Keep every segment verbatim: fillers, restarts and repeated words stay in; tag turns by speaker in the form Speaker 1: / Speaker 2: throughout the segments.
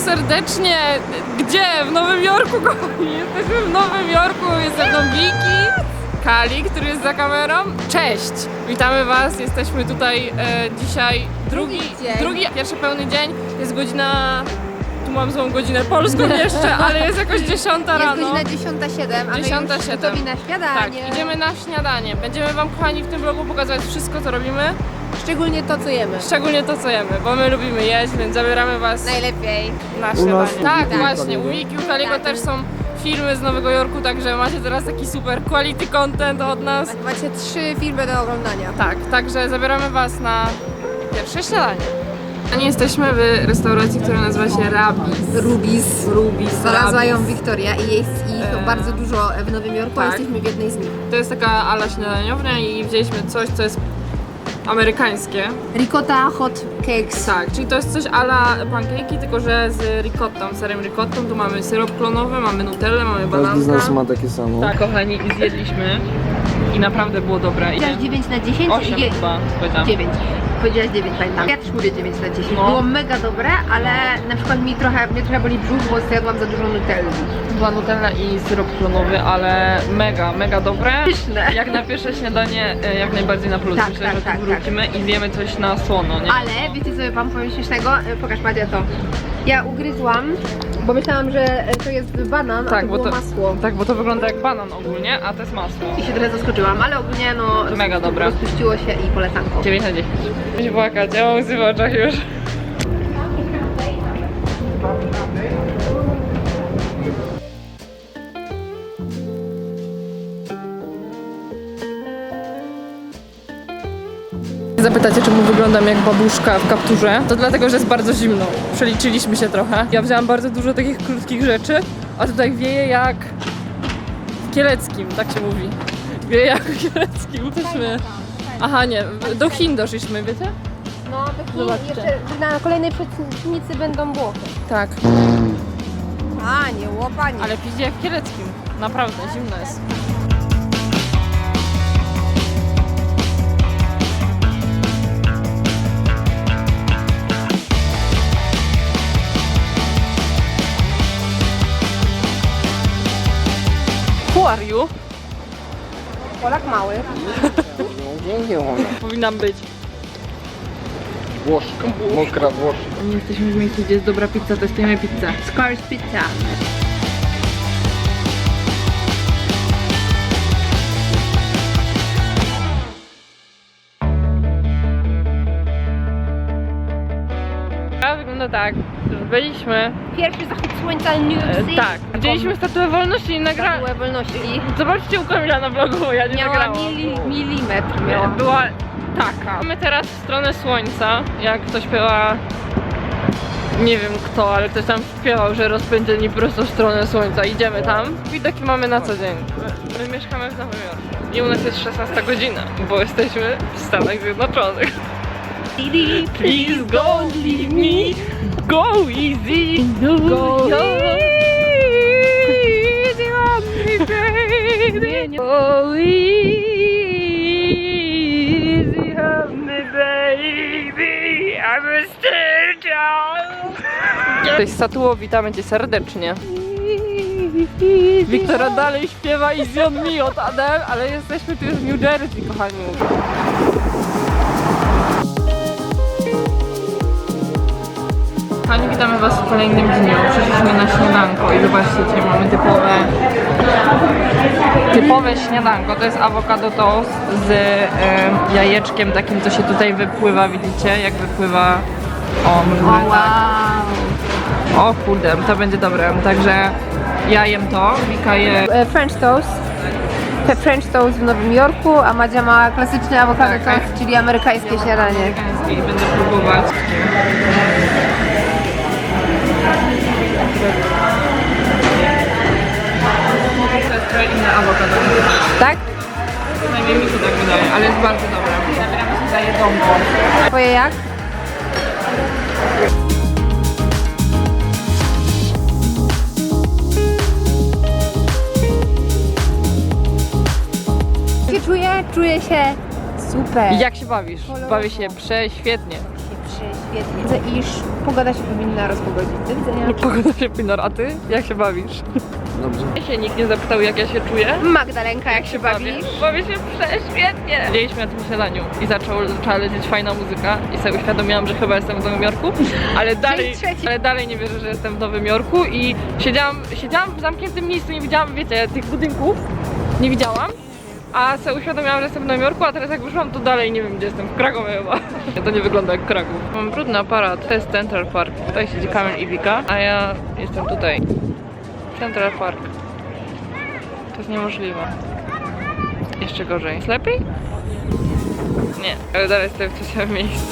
Speaker 1: serdecznie. Gdzie? W Nowym Jorku, kochani. Jesteśmy w Nowym Jorku. Jest ze mną Wiki, Kali, który jest za kamerą. Cześć! Witamy Was. Jesteśmy tutaj e, dzisiaj drugi,
Speaker 2: Drugi
Speaker 1: drugi, pierwszy pełny dzień. Jest godzina... Tu mam złą godzinę polską jeszcze, ale jest jakoś dziesiąta rano.
Speaker 2: Jest godzina dziesiąta siedem, a my
Speaker 1: dziesiąta
Speaker 2: już
Speaker 1: siedem.
Speaker 2: gotowi na śniadanie.
Speaker 1: Tak, idziemy na śniadanie. Będziemy Wam, kochani, w tym vlogu pokazywać wszystko, co robimy.
Speaker 2: Szczególnie to, co jemy.
Speaker 1: Szczególnie to, co jemy, bo my lubimy jeść, więc zabieramy Was
Speaker 2: Najlepiej.
Speaker 1: na
Speaker 3: U
Speaker 1: śniadanie.
Speaker 3: nas
Speaker 1: Tak,
Speaker 3: u
Speaker 1: właśnie,
Speaker 3: Wiki
Speaker 1: u Wiki, u Kaliego
Speaker 2: Tak.
Speaker 1: też są filmy z Nowego Jorku, także macie teraz taki super quality content od nas.
Speaker 2: Macie trzy filmy do oglądania.
Speaker 1: Tak, także zabieramy Was na pierwsze śniadanie. A nie jesteśmy w restauracji, która nazywa się Rabis.
Speaker 2: Rubis.
Speaker 1: Rubis,
Speaker 2: Znalazła ją
Speaker 1: Rabis.
Speaker 2: Wiktoria i jest ich
Speaker 1: Eee.
Speaker 2: bardzo dużo w Nowym Jorku, a
Speaker 1: Tak.
Speaker 2: jesteśmy w jednej z nich.
Speaker 1: To jest taka ala śniadaniownia i wzięliśmy coś, co jest amerykańskie.
Speaker 2: Ricotta hot cakes.
Speaker 1: Tak, czyli to jest coś ala pancake'i, tylko że z ricottą, serem ricottą. Tu mamy syrop klonowy, mamy nutellę, mamy
Speaker 3: Każdy z nas
Speaker 1: bananka.
Speaker 3: ma takie samo.
Speaker 1: Tak, kochani, i zjedliśmy i naprawdę było dobre.
Speaker 2: Powiedziałaś dziewięć na dziesięć?
Speaker 1: osiem
Speaker 2: Je-
Speaker 1: chyba, powiedziałam.
Speaker 2: dziewięć. Powiedziałaś dziewięć, pamiętam. Ja też mówię dziewięć na dziesięć.
Speaker 1: No.
Speaker 2: Było mega dobre, ale na przykład mi trochę, mnie trochę boli brzuch, bo zjadłam za dużo nutelli.
Speaker 1: Była nutella i syrop klonowy, ale mega, mega dobre.
Speaker 2: Pyszne.
Speaker 1: Jak na pierwsze śniadanie, e, jak najbardziej na plus.
Speaker 2: Tak,
Speaker 1: Myślę,
Speaker 2: tak,
Speaker 1: że tu
Speaker 2: tak,
Speaker 1: wrócimy i zjemy coś na słono, nie?
Speaker 2: Ale wiecie co wam powiem śmiesznego? E, Pokaż Madzia to. Ja ugryzłam, bo myślałam, że e, to jest banan, a
Speaker 1: Tak,
Speaker 2: to
Speaker 1: bo
Speaker 2: było
Speaker 1: to,
Speaker 2: masło.
Speaker 1: tak, bo to wygląda jak banan ogólnie, a to jest masło.
Speaker 2: I się trochę zaskoczyłam, ale ogólnie no
Speaker 1: Mega dobre.
Speaker 2: rozpuściło się i polecanko.
Speaker 1: dziewięć na dziesięć. Będzie płakać, ja mam łzy w oczach już. Zapytacie, czemu wyglądam jak babuszka w kapturze? To dlatego, że jest bardzo zimno. Przeliczyliśmy się trochę. Ja wzięłam bardzo dużo takich krótkich rzeczy, a tutaj wieje jak w Kieleckim, tak się mówi. Wieje jak w Kieleckim. Jesteśmy... Aha, nie, do Chin doszliśmy, wiecie?
Speaker 2: No, do
Speaker 1: Zobaczcie.
Speaker 2: Chin jeszcze na kolejnej przecznicy będą Włochy.
Speaker 1: Tak.
Speaker 2: A, nie łopanie.
Speaker 1: Ale piździ jak w Kieleckim. Naprawdę, zimno jest. Who are you?
Speaker 2: Polak mały.
Speaker 1: Powinnam być.
Speaker 3: Włoszka, mokra Włoszka.
Speaker 1: Jesteśmy w miejscu, gdzie jest dobra pizza, testujemy pizzę.
Speaker 2: Scars Pizza.
Speaker 1: A wygląda tak, że byliśmy,
Speaker 2: Pierwszy zachód słońca New York
Speaker 1: e,
Speaker 2: City.
Speaker 1: tak, widzieliśmy statuę wolności i nagrałem.
Speaker 2: Statuę wolności.
Speaker 1: Zobaczcie u Kamila na vlogu, bo ja nie
Speaker 2: Miała
Speaker 1: nagrałam.
Speaker 2: mili, milimetr. Miała.
Speaker 1: Była taka. Mamy teraz w stronę słońca, jak to śpiewa, nie wiem kto, ale ktoś tam śpiewał, że rozpędzeni prosto w stronę słońca. Idziemy tam. Widoki mamy na co dzień. My, my mieszkamy w Nowym Jorku i u nas jest szesnasta godzina, bo jesteśmy w Stanach Zjednoczonych. Please don't leave me, go easy, go easy on me, baby, go easy on me, baby, I'm a star child. Cześć Satuło, witamy Cię serdecznie. Wiktora dalej śpiewa Easy on me od Adele, ale jesteśmy tu już w New Jersey, kochani. Kochani, witamy Was w kolejnym dniu. Przyszliśmy na śniadanko i zobaczcie, dzisiaj mamy typowe typowe śniadanko. To jest awokado toast z e, jajeczkiem takim, co się tutaj wypływa, widzicie? Jak wypływa... O, może
Speaker 2: O,
Speaker 1: tak.
Speaker 2: wow.
Speaker 1: O kurde, to będzie dobre. Także ja jem to, Wika je...
Speaker 2: E, French toast. Te French toast w Nowym Jorku, a Madzia ma klasyczny awokado
Speaker 1: Tak,
Speaker 2: toast, czyli amerykańskie śniadanie.
Speaker 1: amerykański i będę próbować. To jest trochę inne awokado.
Speaker 2: Tak?
Speaker 1: Najmniej mi się tak wydaje, ale jest bardzo dobre. Zabieramy się za jedzonko.
Speaker 2: Twoje jak? Jak się czuję? Czuję się super.
Speaker 1: I jak się bawisz? Bawię się prześwietnie.
Speaker 2: się prześwietnie. świetnie. Iż pogoda się powinna rozpogodzić. Do widzenia.
Speaker 1: Pogoda się pinor, a ty? Jak się bawisz?
Speaker 3: Dobrze.
Speaker 1: Mnie się nikt nie zapytał, jak ja się czuję.
Speaker 2: Magdalenka, jak się bawisz?
Speaker 1: Bawię się prześwietnie. Siedzieliśmy na tym śniadaniu i zaczął, zaczęła lecieć fajna muzyka i sobie uświadomiłam, że chyba jestem w Nowym Jorku, ale dalej,
Speaker 2: trzeci.
Speaker 1: ale dalej nie wierzę, że jestem w Nowym Jorku i siedziałam, siedziałam w zamkniętym miejscu, nie widziałam, wiecie, tych budynków, nie widziałam. A sobie uświadomiłam, że jestem w Nowym Jorku, a teraz jak wyszłam, to dalej nie wiem, gdzie jestem, w Krakowie chyba. To nie wygląda jak Kraków. Mam brudny aparat, to jest Central Park. Tutaj siedzi Kamil i Wika, a ja jestem tutaj. Central Park. To jest niemożliwe. Jeszcze gorzej. Jest lepiej? Nie, ale dalej stoję w tym samym miejscu.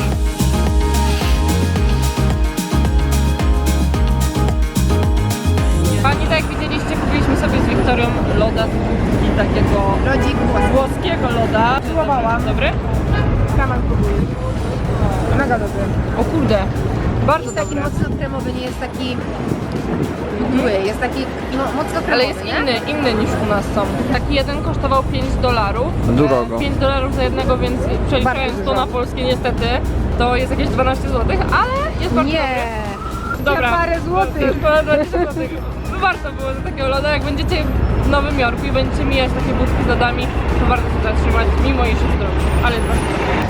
Speaker 1: Pani, tak jak widzieliście, kupiliśmy sobie z Wiktorią loda i takiego
Speaker 2: Lodzik włoski.
Speaker 1: włoskiego loda.
Speaker 2: Próbowałam.
Speaker 1: Dobry?
Speaker 2: Kaman próbuję. Mega dobry.
Speaker 1: O kurde, bardzo
Speaker 2: Jest taki
Speaker 1: dobry.
Speaker 2: mocno kremowy, nie jest taki mdły, jest taki no, mocno kremowy,
Speaker 1: Ale jest
Speaker 2: nie?
Speaker 1: inny, inny niż u nas są. Taki jeden kosztował pięć dolarów.
Speaker 3: Drogo.
Speaker 1: pięć dolarów za jednego, więc przeliczając
Speaker 2: Bardzo
Speaker 1: to
Speaker 2: dużo.
Speaker 1: na polskie niestety, to jest jakieś dwanaście złotych, ale jest bardzo
Speaker 2: Nie.
Speaker 1: dobry. Dobra.
Speaker 2: Ja parę złotych.
Speaker 1: Ponad dwadzieścia złotych. Warto było za takiego loda. Jak będziecie w Nowym Jorku i będziecie mijać takie budki z lodami, to warto się zatrzymać, mimo iż jest drogi. Ale jest bardzo dobry.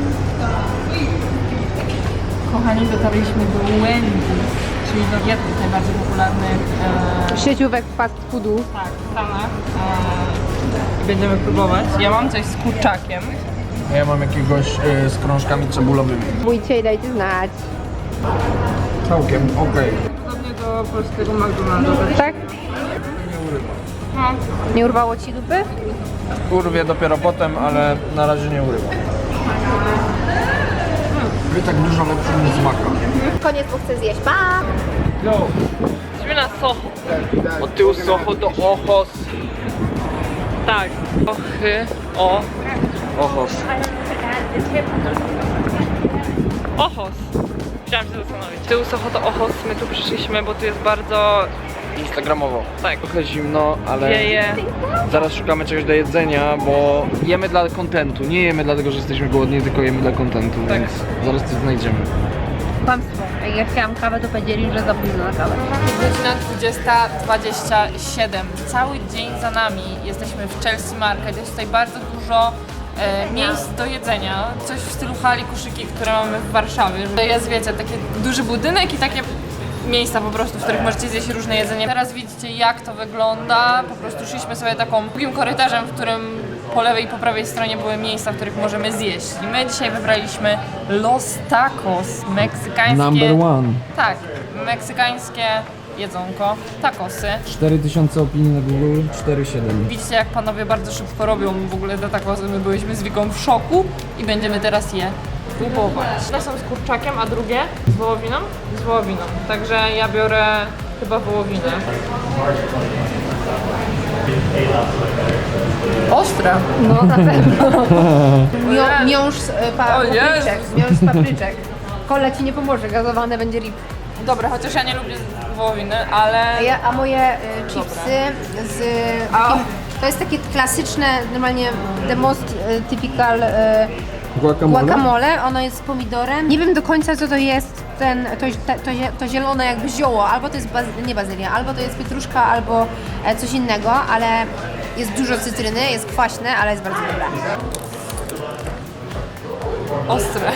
Speaker 1: Kochani, dotarliśmy do Wendy's, czyli do jednych najbardziej popularnych e,
Speaker 2: Sieciówek fast foodu.
Speaker 1: tak, w Stanach. E, I będziemy próbować. Ja mam coś z kurczakiem.
Speaker 3: Ja mam jakiegoś y, z krążkami cebulowymi.
Speaker 2: Bójcie i dajcie znać.
Speaker 3: Całkiem okej.
Speaker 1: Podobnie do polskiego McDonalda.
Speaker 2: Tak?
Speaker 1: No.
Speaker 2: Nie urwało ci dupy?
Speaker 3: Urwie dopiero potem, ale na razie nie urywa. Wy tak dużo lepszy niż maka.
Speaker 2: Koniec, bo chcę zjeść. Pa!
Speaker 1: Jesteśmy na Soho.
Speaker 3: Od tyłu z Soho do Ochos.
Speaker 1: Tak. Ochy. O.
Speaker 3: Ochos.
Speaker 1: Ochos. Chciałam się zastanowić. Tył Soho to Ochos. My tu przyszliśmy, bo tu jest bardzo...
Speaker 3: Instagramowo.
Speaker 1: Tak.
Speaker 3: Trochę zimno, ale
Speaker 1: Wieje.
Speaker 3: zaraz szukamy czegoś do jedzenia, bo jemy dla kontentu. Nie jemy dlatego, że jesteśmy głodni, tylko jemy dla kontentu,
Speaker 1: Tak.
Speaker 3: więc zaraz coś znajdziemy.
Speaker 2: Kłamstwo. Jak ja chciałam kawę, to powiedzieli, że za późno na kawę.
Speaker 1: Godzina dwudziesta dwadzieścia siedem. Cały dzień za nami. Jesteśmy w Chelsea Market. Jest tutaj bardzo dużo e, miejsc do jedzenia. Coś w stylu hali koszyki, które mamy w Warszawie. To jest, wiecie, taki duży budynek i takie miejsca po prostu, w których możecie zjeść różne jedzenie. Teraz widzicie, jak to wygląda. Po prostu szliśmy sobie taką długim korytarzem, w którym po lewej i po prawej stronie były miejsca, w których możemy zjeść. I my dzisiaj wybraliśmy Los Tacos, meksykańskie...
Speaker 3: one.
Speaker 1: Tak, meksykańskie jedzonko, tacosy.
Speaker 3: cztery tysiące opinii na Google, cztery siedem.
Speaker 1: Widzicie, jak panowie bardzo szybko robią w ogóle te tacosy. My byliśmy z Wiką w szoku i będziemy teraz je próbować. Te są z kurczakiem, a drugie z wołowiną? Z wołowiną. Także ja biorę chyba wołowinę. Ostre.
Speaker 2: No na pewno. Mią, miąższ z e, pa,
Speaker 1: O Jezus.
Speaker 2: papryczek. Miąższ z papryczek. Kola ci nie pomoże, gazowane będzie lip.
Speaker 1: Dobra, chociaż ja nie lubię wołowiny, ale...
Speaker 2: A, ja, a moje y, chipsy z
Speaker 1: A.
Speaker 2: takim, to jest takie klasyczne, normalnie the most y, typical y,
Speaker 3: Guacamole?
Speaker 2: guacamole. Ono jest z pomidorem. Nie wiem do końca co to jest ten, to, to, to, to zielone jakby zioło. Albo to jest baz, nie bazylia, albo to jest pietruszka, albo e, coś innego, ale jest dużo cytryny, jest kwaśne, ale jest bardzo dobre.
Speaker 1: Ostre.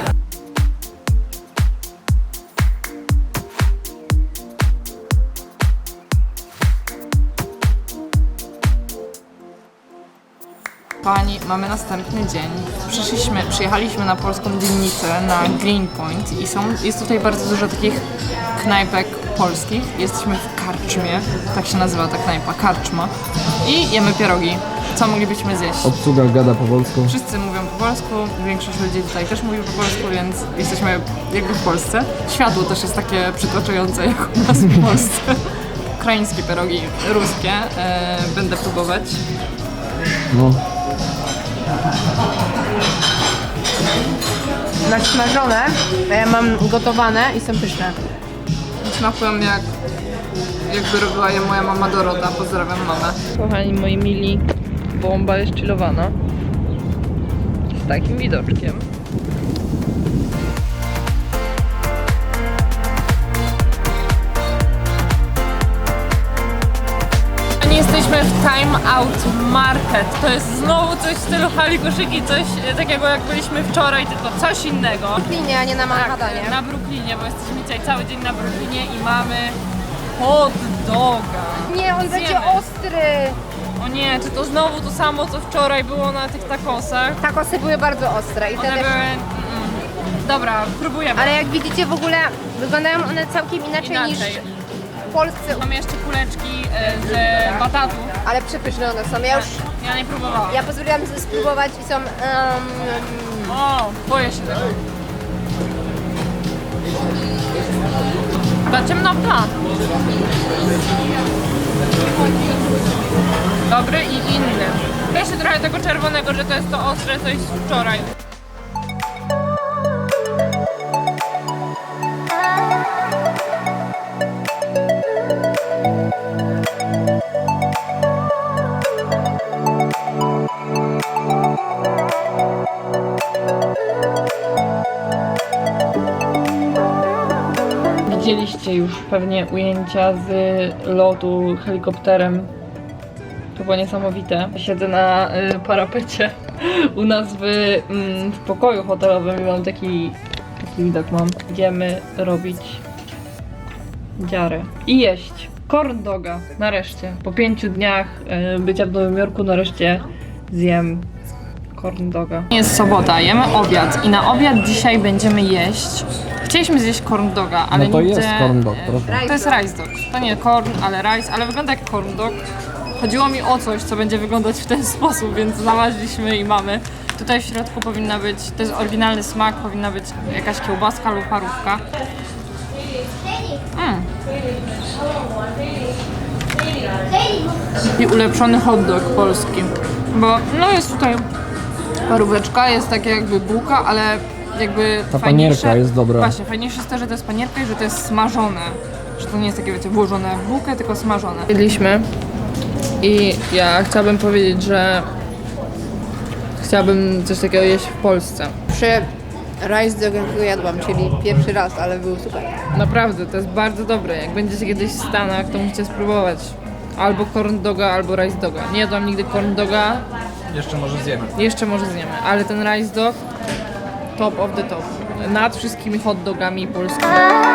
Speaker 1: Kochani, mamy następny dzień. Przyszliśmy, przyjechaliśmy na polską dzielnicę, na Greenpoint i są, jest tutaj bardzo dużo takich knajpek polskich. Jesteśmy w karczmie, tak się nazywa ta knajpa, karczma. I jemy pierogi. Co moglibyśmy zjeść?
Speaker 3: Obsługa gada po polsku.
Speaker 1: Wszyscy mówią po polsku, większość ludzi tutaj też mówi po polsku, więc jesteśmy jakby w Polsce. Światło też jest takie przytłaczające jak u nas w Polsce. Ukraińskie pierogi, ruskie, e, będę próbować.
Speaker 3: No.
Speaker 2: Nasmażone, a ja mam gotowane i są pyszne.
Speaker 1: Smakują jak jakby robiła je moja mama Dorota. Pozdrawiam mamę. Kochani moi mili, bomba jest chillowana. Z takim widoczkiem. Jesteśmy w Time Out Market. To jest znowu coś w stylu hali koszyki, coś e, takiego jak byliśmy wczoraj, tylko coś innego.
Speaker 2: W Brooklynie, a nie na
Speaker 1: Tak,
Speaker 2: Manhattanie.
Speaker 1: na Brooklynie, bo jesteśmy dzisiaj cały dzień na Brooklynie i mamy hot doga.
Speaker 2: Nie, on
Speaker 1: Zjemy.
Speaker 2: będzie ostry.
Speaker 1: O nie, czy to znowu to samo, co wczoraj było na tych tacosach?
Speaker 2: Takosy były bardzo ostre i te
Speaker 1: One
Speaker 2: też...
Speaker 1: były... Mm, dobra, próbujemy.
Speaker 2: Ale jak widzicie w ogóle wyglądają one całkiem inaczej,
Speaker 1: Inaczej.
Speaker 2: niż w Polsce.
Speaker 1: Mamy jeszcze kuleczki e, z batatu.
Speaker 2: Ale przepyszne one są. Ja już...
Speaker 1: Ja nie próbowałam.
Speaker 2: Ja pozwoliłam sobie spróbować i są... Um,
Speaker 1: O, boję się tego. Ta ciemnota. Dobry i inny. Jeszcze trochę tego czerwonego, że to jest to ostre coś z wczoraj. Widzieliście już pewnie ujęcia z lotu helikopterem. To było niesamowite. Siedzę na y, parapecie u nas w, mm, w pokoju hotelowym i mam taki, taki widok mam. Idziemy robić dziarę i jeść corn doga. Nareszcie. Po pięciu dniach y, bycia w Nowym Jorku nareszcie zjem corn doga. Jest sobota, jemy obiad i na obiad dzisiaj będziemy jeść. Chcieliśmy zjeść corn doga, ale
Speaker 3: No to
Speaker 1: nigdzie...
Speaker 3: jest corn dog, proszę.
Speaker 1: To jest rice dog. To nie corn, ale rice, ale wygląda jak corn dog. Chodziło mi o coś, co będzie wyglądać w ten sposób, więc znaleźliśmy i mamy. Tutaj w środku powinna być, to jest oryginalny smak, powinna być jakaś kiełbaska lub parówka. Mm. I ulepszony hot dog polski. Bo no jest tutaj paróweczka, jest takie jakby bułka, ale jakby
Speaker 3: Ta
Speaker 1: fajniejsze,
Speaker 3: panierka jest dobra.
Speaker 1: Właśnie, fajniejsze jest to, że to jest panierka i że to jest smażone. Że to nie jest takie, wiecie, włożone w bułkę, tylko smażone. Jedliśmy i ja chciałabym powiedzieć, że chciałabym coś takiego jeść w Polsce.
Speaker 2: przy rice dog, jakiego jadłam, czyli pierwszy raz, ale był super.
Speaker 1: Naprawdę, to jest bardzo dobre. Jak będziecie kiedyś w Stanach, to musicie spróbować. Albo corn doga, albo rice doga. Nie jadłam nigdy corn doga,
Speaker 3: Jeszcze może zjemy.
Speaker 1: jeszcze może zjemy, ale ten rice dog top of the top. Nad wszystkimi hot dogami polskimi.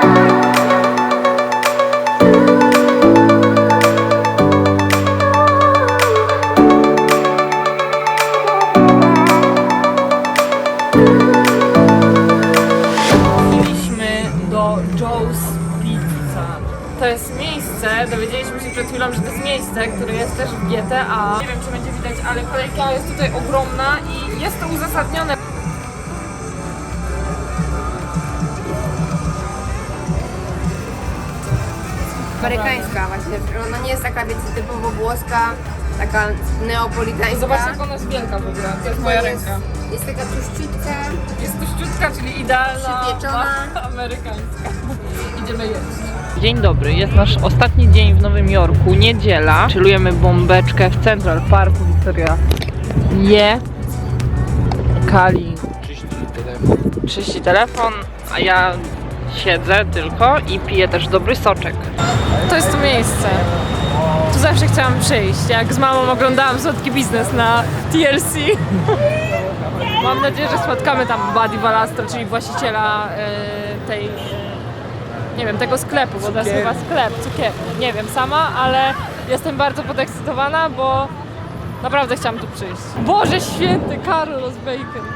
Speaker 1: Wróciliśmy do Joe's Pizza. To jest miejsce, dowiedzieliśmy się przed chwilą, że to jest miejsce, które jest też w G T A. Nie wiem, czy będzie widać, ale kolejka jest tutaj ogromna i jest to uzasadnione.
Speaker 2: Amerykańska właśnie, ona nie jest taka, wiecie, typowo włoska, taka neapolitańska.
Speaker 1: Zobaczcie, jak ona jest wielka w ogóle. To jest moja
Speaker 2: jest,
Speaker 1: ręka.
Speaker 2: Jest taka tuściutka.
Speaker 1: Jest to sztuczka, czyli idealna,
Speaker 2: Przypieczona.
Speaker 1: amerykańska. Idziemy jeść. Dzień dobry, jest nasz ostatni dzień w Nowym Jorku, niedziela. Chillujemy bombeczkę w Central Parku. Wiktoria je, Kali czyści telefon, a ja siedzę tylko i piję też dobry soczek. To jest to miejsce. Tu zawsze chciałam przyjść. Jak z mamą oglądałam Słodki Biznes na T L C. Mam nadzieję, że spotkamy tam Buddy Valastro, czyli właściciela e, tej, e, nie wiem, tego sklepu, bo to jest chyba sklep, cukierni. Nie wiem sama, ale jestem bardzo podekscytowana, bo naprawdę chciałam tu przyjść. Boże święty, Carlos Bacon.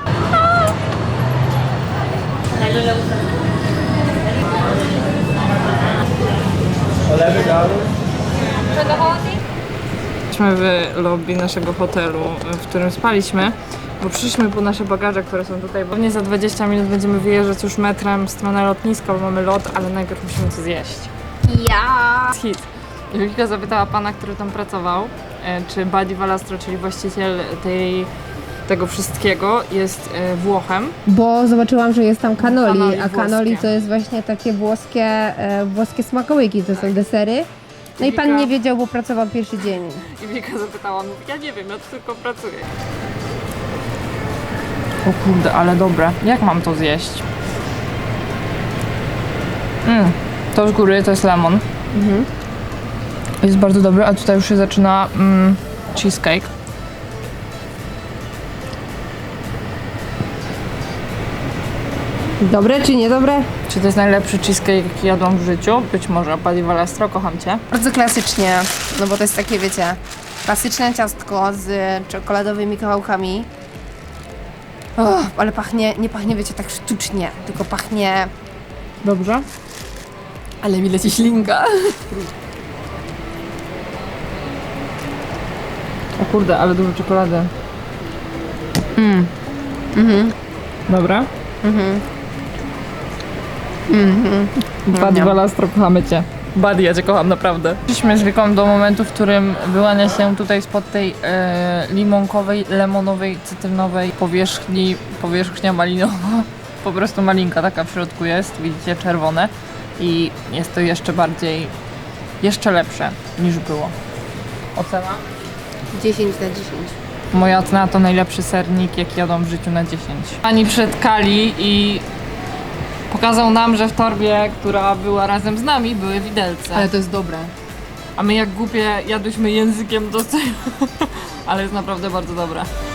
Speaker 1: Jesteśmy w lobby naszego hotelu, w którym spaliśmy, bo przyszliśmy po nasze bagaże, które są tutaj. Pewnie za dwadzieścia minut będziemy wyjeżdżać już metrem w stronę lotniska, bo mamy lot, ale najpierw musimy coś zjeść.
Speaker 2: Ja.
Speaker 1: Hit. I Wika zapytała pana, który tam pracował, e, czy Buddy Valastro, czyli właściciel tej, tego wszystkiego, jest e, Włochem.
Speaker 2: Bo zobaczyłam, że jest tam cannoli,
Speaker 1: Cannoli
Speaker 2: a cannoli
Speaker 1: włoskie.
Speaker 2: to jest właśnie takie włoskie, e, włoskie smakołyki, to są desery. No i pan
Speaker 1: Wika-
Speaker 2: nie wiedział, bo pracował pierwszy dzień.
Speaker 1: I Wika zapytała, mówi, ja nie wiem, ja tu tylko pracuję. O kurde, ale dobre. Jak mam to zjeść? Mm, to z góry to jest lemon.
Speaker 2: Mhm.
Speaker 1: Jest bardzo dobry, a tutaj już się zaczyna mm, cheesecake.
Speaker 2: Dobre czy niedobre?
Speaker 1: Czy to jest najlepszy cheesecake, jaki jadłam w życiu? Być może. Pali Valastro, kocham cię.
Speaker 2: Bardzo klasycznie, no bo to jest takie, wiecie, klasyczne ciastko z czekoladowymi kawałkami. Oh, ale pachnie, nie pachnie, wiecie, tak sztucznie, tylko pachnie...
Speaker 1: Dobrze?
Speaker 2: Ale mi leci ślinka.
Speaker 1: O kurde, ale dużo czekolady.
Speaker 2: Mm. Mhm.
Speaker 1: Dobra?
Speaker 2: Mhm. Mhm.
Speaker 1: Buddy Valastro, kochamy cię. Buddy, ja cię kocham, naprawdę. Przyszliśmy z Wiką do momentu, w którym wyłania się tutaj spod tej e, limonkowej, lemonowej, cytrynowej powierzchni, powierzchnia malinowa. Po prostu malinka taka w środku jest, widzicie, czerwone. I jest to jeszcze bardziej, jeszcze lepsze niż było. Ocena?
Speaker 2: dziesięć na dziesięć.
Speaker 1: Moja ocena to najlepszy sernik, jaki jadłam w życiu na dziesięć. Ani przed Kali i pokazał nam, że w torbie, która była razem z nami, były widelce.
Speaker 2: Ale to jest dobre.
Speaker 1: A my jak głupie jadłyśmy językiem do tego. Ale jest naprawdę bardzo dobre.